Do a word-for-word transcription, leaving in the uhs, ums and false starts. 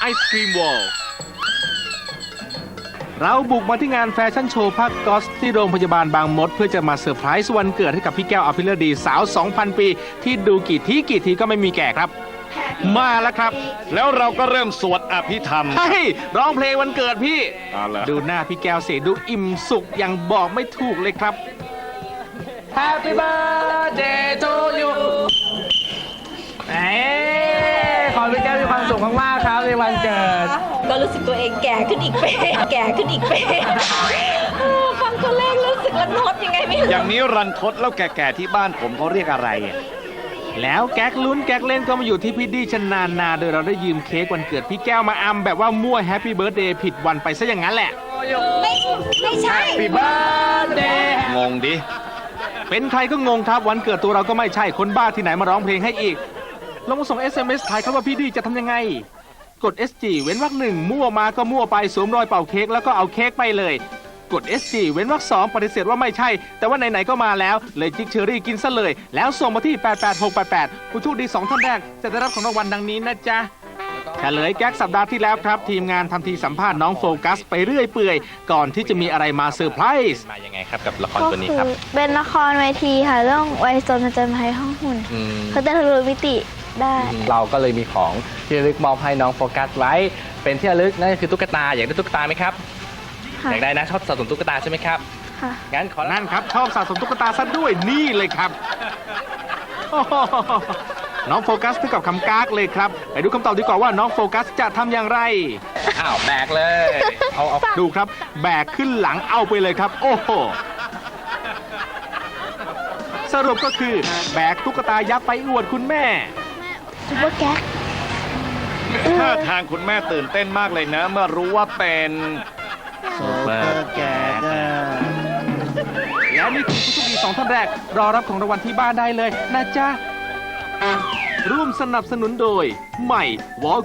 ศครีมวอลเราบุกมาที่งานแฟชั่นโชว์ผ้าก๊อซที่โรงพยาบาลบางมดเพื่อจะมาเซอร์ไพรส์วันเกิดให้กับพี่แก้วอภิรดีสาว สองพัน ปีที่ดูกี่ทีกี่ทีก็ไม่มีแก่ครับ มาแล้วครับแล้วเราก็เริ่มสวดอภิธรรมใช่ร้องเพลงวันเกิดพี่เอาล่ะดูหน้าพี่แก้วเสียดูอิ่มสุขอย่างบอกไม่ถูกเลยครับ Happy birthday to you เอ้ขอพี่แก้วมีความสุขมากๆครับในวันเกิดก็รู้สึกตัวเองแก่ขึ้นอีกเป๊ะแก่ขึ้นอีกเป๊ะฟังตัวเลขรู้สึกรันทดยังไงไม่รู้อย่างนี้รันทดแล้วแก่ๆที่บ้านผมเขาเรียกอะไรอ่ะแล้วแก๊กลุ้นแก๊กเล่นก็มาอยู่ที่พี่ดีชนานนาโดยเราได้ยืมเค้กวันเกิดพี่แก้วมาอำแบบว่ามั่วแฮปปี้เบิร์ดเดย์ผิดวันไปซะอย่างนั้นแหละไม่ไม่ใช่ Happy birthday งงดิเป็นใครก็งงครับวันเกิดตัวเราก็ไม่ใช่คนบ้าที่ไหนมาร้องเพลงให้อีกลองมาส่ง เอส เอ็ม เอส ถ่ายครับว่าพี่ดีจะทำยังไงกด เอส จี เว้นวรรคหนึ่งมั่วมาก็มั่วไปสวมรอยเป่าเค้กแล้วก็เอาเค้กไปเลยกด เอส จี เว้นวรรคสองปฏิเสธว่าไม่ใช่แต่ว่าไหนๆก็มาแล้วเลยจิกเชอรี่กินซะเลยแล้วส่งมาที่แปดแปดหกแปดแปดผู้โชคดีสองท่านแรกจะได้รับของรางวัลดังนี้นะจ๊ะเฉลยแก๊กสัปดาห์ที่แล้วครับทีมงานทำทีสัมภาษณ์น้องโฟกัสไปเรื่อยเปื่อยก่อนที่จะมีอะไรมาเซอร์ไพรส์มายังไงครับกับละครก็ตัวนี้คืครับอเป็นละครเวทีค่ะเรื่องวัยโซนผจญภัยห้องหุ่นอืมเขาจะทะลุมิติได้เราก็เลยมีของที่ระลึกมอบให้น้องโฟกัสไว้ เป็นที่ระลึกนั่นก็คือตุ๊กตาอยากได้ตุ๊กตาไหมครับค่ะอยากได้นะชอบสะสมตุ๊กตาใช่ไหมครับค่ะงั้นขอนั่นครับชอบสะสมตุ๊กตาซะด้วยนี่เลยครับโอ้โหน้องโฟกัสถึงกับคำกากเลยครับไปดูคำตอบดีกว่าว่าน้องโฟกัสจะทำอย่างไรอ้าวแบกเลยเอาเอาดูครับแบกขึ้นหลังเอาไปเลยครับ โอ้โหสรุปก็คือแบกตุ๊กตายักษ์ไปอวดคุณแม่ซุปเปอร์แก๊กท่าทางคุณแม่ตื่นเต้นมากเลยนะ เมื่อรู้ว่าเป็นแล้วนี่คือผู้โชคดีสองท่านแรก รอรับของรางวัลที่บ้านได้เลยนะจ๊ะร่วมสนับสนุนโดย ใหม่วอล